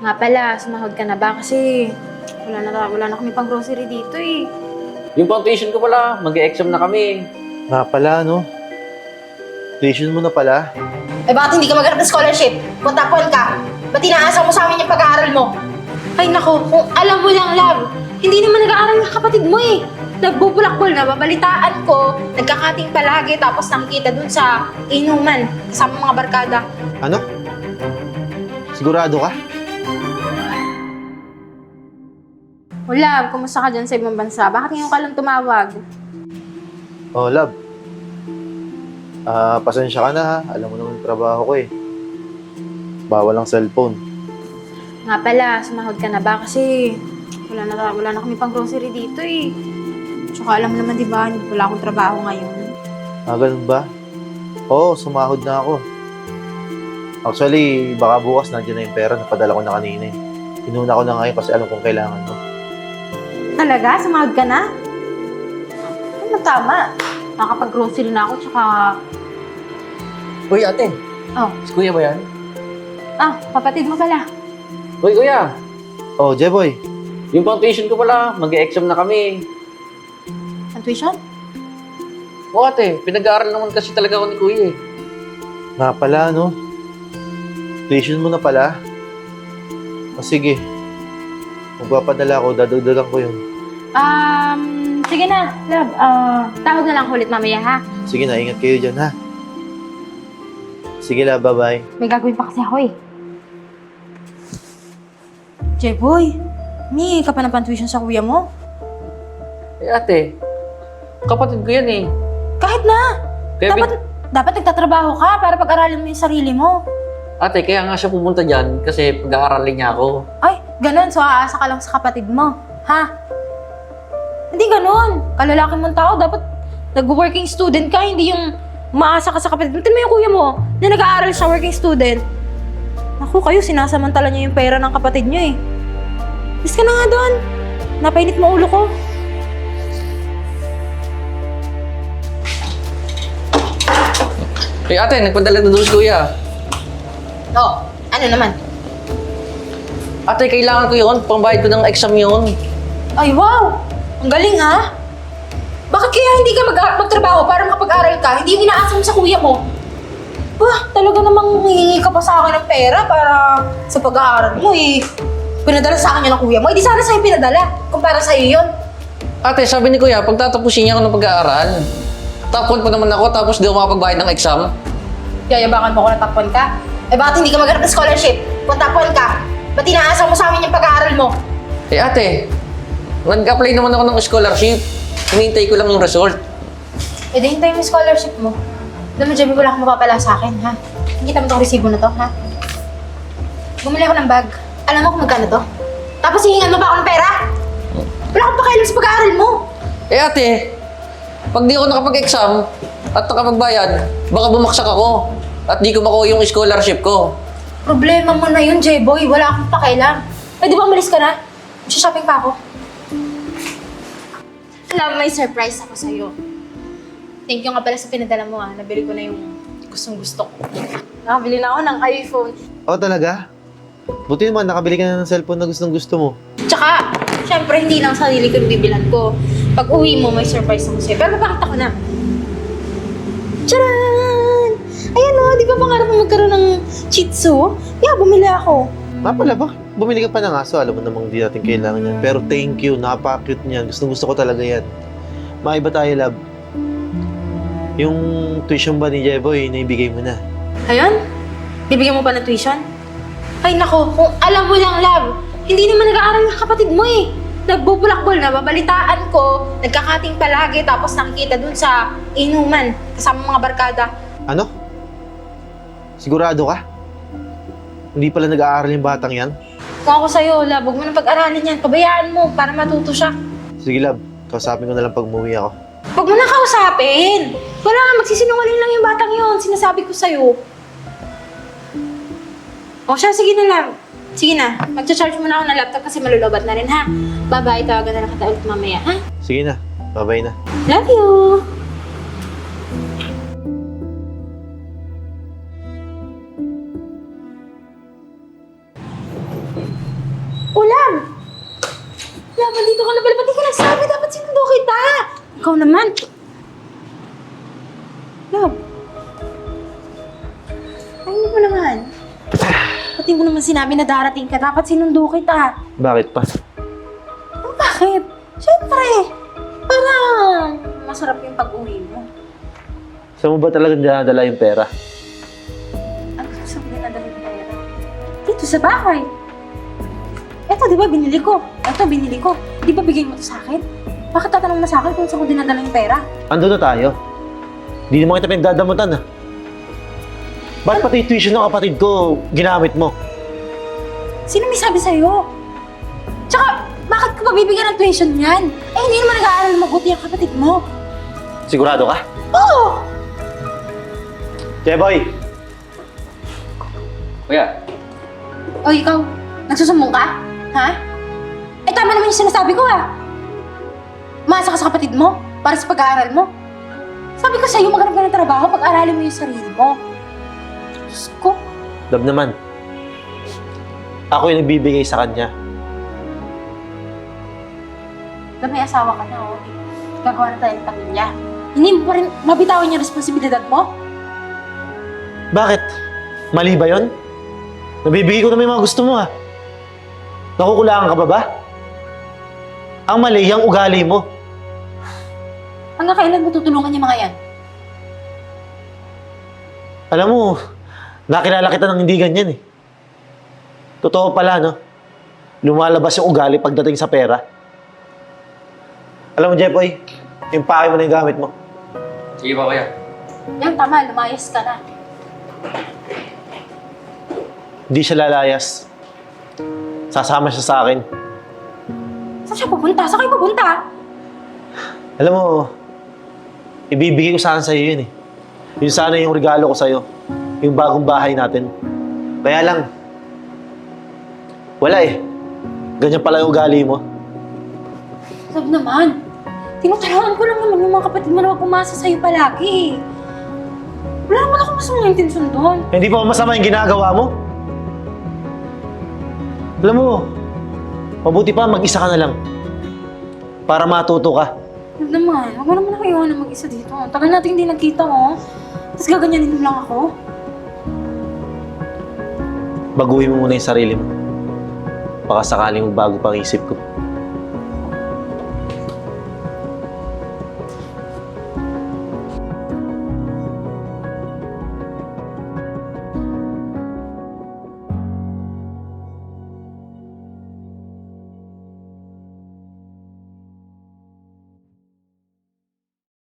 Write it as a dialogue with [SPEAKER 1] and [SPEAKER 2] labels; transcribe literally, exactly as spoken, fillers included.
[SPEAKER 1] Nga pala, sumahod ka na ba? Kasi wala na, wala na kami pang grocery dito eh.
[SPEAKER 2] Yung pang tuition ko pala, mag-e-exam na kami.
[SPEAKER 3] Nga pala, no? Tuition mo na pala.
[SPEAKER 4] Eh bakit hindi ka maghanap ng scholarship? Kung tapuan ka, ba't inaasa mo sa amin yung pag-aaral mo?
[SPEAKER 1] Ay nako, kung alam mo lang, love, hindi naman nag-aaral yung kapatid mo eh. Nagbubulakbol na, babalitaan ko, nagkakating palagi, tapos nakikita dun sa inuman, kasama mga barkada.
[SPEAKER 3] Ano? Sigurado ka?
[SPEAKER 1] O love, kumusta ka dyan sa ibang bansa? Bakit ngayon ka lang tumawag?
[SPEAKER 3] Oh, love. Ah, pasensya ka na ha. Alam mo naman yung trabaho ko eh. Bawal ang cellphone.
[SPEAKER 1] Nga pala, sumahod ka na ba? Kasi wala na, wala na kami pang grocery dito eh. Tsaka alam mo naman di ba, wala akong trabaho ngayon.
[SPEAKER 3] Ah, ganun ba? Oo, sumahod na ako. Actually, baka bukas nandiyan na yung pera. Napadala ko na kanina eh. Inuna ko na ngayon kasi alam kong kailangan mo.
[SPEAKER 1] Talaga? Sumahod ka na? Ano tama? Nakapag-grocery na ako, tsaka...
[SPEAKER 2] Uy, ate.
[SPEAKER 1] Oh,
[SPEAKER 2] Si kuya ba yan?
[SPEAKER 1] ah, kapatid mo pala.
[SPEAKER 2] Uy, kuya.
[SPEAKER 3] Oh, Jeboy.
[SPEAKER 2] Yung pang tuition ko pala, mag-e-exam na kami.
[SPEAKER 1] Ang tuition?
[SPEAKER 2] O ate, pinag-aaral naman kasi talaga ako ni kuya eh.
[SPEAKER 3] Nga pala, no? Tuition mo na pala? O sige. Magpapadala ako, dadagdagan ko yun.
[SPEAKER 1] Um, sige na, love. Ah, tawag na lang ako ulit mamaya, ha?
[SPEAKER 3] Sige na, ingat kayo dyan ha. Sige la, bye-bye.
[SPEAKER 1] May gagawin pa kasi ako eh. Jeboy, may ka pa ng pan-tuition sa kuya mo?
[SPEAKER 2] Eh ate, kapatid ko yan eh.
[SPEAKER 1] Kahit na!
[SPEAKER 2] Kaya
[SPEAKER 1] dapat, dapat nagtatrabaho ka para pag-aralin mo yung sarili mo.
[SPEAKER 2] Ate, kaya nga siya pumunta dyan kasi pag-aaralin niya ako.
[SPEAKER 1] Ay, ganun. So, aasa ka lang sa kapatid mo. Ha? Hindi ganun. Kalalaki mong tao, dapat nag-working student ka, hindi yung umaasa ka sa kapatid mo. Tignan mo yung kuya mo na nag-aaral siya, working student. Naku, kayo, sinasamantala niyo yung pera ng kapatid niyo eh. Bis ka na nga doon. Napainit mo ulo ko.
[SPEAKER 2] Eh ate, nagpadala na doon si kuya.
[SPEAKER 4] Oh, ano naman?
[SPEAKER 2] Ate, kailangan ko yun. Pambayad ko ng exam yun.
[SPEAKER 4] Ay, wow! Ang galing ha? Bakit kaya hindi ka mag- magtrabaho para makapag-aral ka? Hindi yung inaasa mo sa kuya mo? Bah, talaga namang hihingi ka pa sa akin ng pera para sa pag-aaral mo eh. Pinadala sa akin yun ng kuya mo, eh di sana sa'yo pinadala kung para sa'yo yun.
[SPEAKER 2] Ate, sabi ni kuya, pagtatapusin niya ako ng pag-aaral. Tapon pa naman ako tapos di ako makapagbayad ng exam.
[SPEAKER 4] Yayabangan mo ko na takpan ka? Eh bakit hindi ka maghanap ng scholarship? Kung takpan ka, ba't inaasa mo sa amin yung pag-aaral mo?
[SPEAKER 2] Eh ate, nag-apply naman ako ng scholarship. Hinihintay ko lang yung result.
[SPEAKER 4] Eh di hintayin mo yung scholarship mo. Alam mo, Jemmy, wala kang mapapala sa akin, ha? Kita mo itong resibo na to, ha? Bumili ako ng bag. Alam mo kung magkano to? Tapos hihingan mo pa ako ng pera? Wala akong pakialam sa pag-aaral mo.
[SPEAKER 2] Eh ate, pag di ako nakapag-exam at nakapagbayad, baka bumaksak ako at di ko makuha yung scholarship ko.
[SPEAKER 4] Problema mo na yun, J-Boy. Wala akong pakialam. Eh, di ba umalis ka na? Shopping pa ako. Alam, may surprise ako sa'yo. Thank you nga pala sa pinadala mo, ha. Nabili ko na yung gustong gusto ko. Nakabili na ako ng iPhone.
[SPEAKER 3] Oh, talaga? Buti naman, nakabili ka na ng cellphone na gustong gusto mo.
[SPEAKER 4] Tsaka, syempre, hindi lang sarili ko yung bibilan ko. Pag uwi mo, may surprise ako sa'yo. Pero mapakita ko na. Tcharan! Ayan o, di ba pangarap mo magkaroon ng Shih Tzu? Yeah, bumili ako.
[SPEAKER 3] Nga pala ba? Bumili ka pa ng aso, alam mo namang di natin kailangan yan. Pero thank you, napaka-cute niyan. Gustong gusto ko talaga yan. Maiba tayo, love. Yung tuition ba ni Jeboy, naibigay mo na.
[SPEAKER 1] Ayun? Bibigyan mo pa ng tuition? Ay nako, kung alam mo lang, love, hindi naman nag-aaral yung kapatid mo eh. Nagbubulakbol na, babalitaan ko, nagkakating palagi, tapos nakikita dun sa inuman, kasama mga barkada.
[SPEAKER 3] Ano? Sigurado ka? Hindi pala nag-aaral yung batang yan?
[SPEAKER 1] Kung ako sa'yo, love, huwag mo nang pag-aralin yan. Pabayaan mo para matuto siya.
[SPEAKER 3] Sige, love. Kausapin ko na lang pag umuwi ako.
[SPEAKER 1] Huwag mo na kausapin. Wala nga, magsisinungaling lang yung batang yon. Sinasabi ko sa'yo. O siya, sige na lang. Sige na, mag-charge mo na ako ng laptop kasi malulobat na rin, ha? Bye-bye, tawagan na lang kita ulit mamaya, ha?
[SPEAKER 3] Sige na. Bye-bye na.
[SPEAKER 1] Love you! Nandito ka na pala. Ba't di ka nagsabi? Dapat sinundo kita. Ikaw naman. Love. Ayun mo naman. Pati mo naman sinabi na darating ka. Dapat sinundo kita.
[SPEAKER 3] Bakit pa?
[SPEAKER 1] Oh, bakit? Siyempre. Parang masarap yung pag-uwi mo.
[SPEAKER 3] Saan mo ba talaga dinadala yung pera?
[SPEAKER 1] Ano sabi na nadala yung pera? Dito sa bahay. Eto, di ba binili ko? Eto, binili ko. Di ba bigay mo to sa akin? Bakit tatanong na sa akin kung saan ko dinadala yung pera?
[SPEAKER 3] Ando na tayo. Hindi naman kita pinagdadamutan ah. Ba't pati yung tuition ng kapatid ko ginamit mo?
[SPEAKER 1] Sino may sabi sa'yo? Tsaka, bakit ka pa bibigyan ng tuition yan? Eh, hindi naman nag-aaral mabuti ang kapatid mo.
[SPEAKER 3] Sigurado ka?
[SPEAKER 1] Oo!
[SPEAKER 3] Jeboy!
[SPEAKER 2] Kuya,
[SPEAKER 1] O, ikaw, nagsusumbong ka? Ha? Eh, tama naman yung sinasabi ko, ha? Maasa ka sa kapatid mo para sa pag-aaral mo. Sabi ko sa'yo, maghanap ka ng trabaho, pag-aralin mo yung sarili mo. Diyos ko.
[SPEAKER 3] Love naman. Ako yung nagbibigay sa kanya.
[SPEAKER 1] Dahil may asawa ka na, oh. Gagawa na tayo ng pamilya. Hindi mo pa rin mabitawan yung responsibilidad mo?
[SPEAKER 3] Bakit? Mali ba yun? Nabibigay ko naman yung mga gusto mo ah. Nakukulangan ka ba ba? Ang mali, yung ugali mo.
[SPEAKER 1] Hanggang kailan mo tutulungan yung mga yan?
[SPEAKER 3] Alam mo, nakilala kita ng hindi ganyan eh. Totoo pala, no? Lumalabas yung ugali pagdating sa pera. Alam mo, Jepoy, yung pake mo na yung gamit mo.
[SPEAKER 2] sige pa kuya.
[SPEAKER 1] Yan, tama. Lumayas ka na.
[SPEAKER 3] Hindi siya lalayas. Sasama siya sa akin.
[SPEAKER 1] Saan siya pupunta? Saan kayo pupunta?
[SPEAKER 3] Alam mo, ibibigay ko sana sa'yo yun eh. Yun sana yung regalo ko sa'yo. Yung bagong bahay natin. Kaya lang, wala eh. Ganyan pala yung ugali mo.
[SPEAKER 1] Sabi naman, tinutulungan ko lang naman yung mga kapatid mo na wag pumasa sa'yo palagi eh. Wala naman ako masamang intensyon doon.
[SPEAKER 3] Hindi pa masama yung ginagawa mo. Alam mo, mabuti pa mag-isa ka na lang. Para matuto ka.
[SPEAKER 1] Sabi naman, wag mo naman ako iwanan mag-isa dito. Tagal natin hindi nagkita oh. Tapos gaganyanin mo lang ako.
[SPEAKER 3] Baguhin mo muna yung sarili mo. Baka sakaling magbago pang isip ko.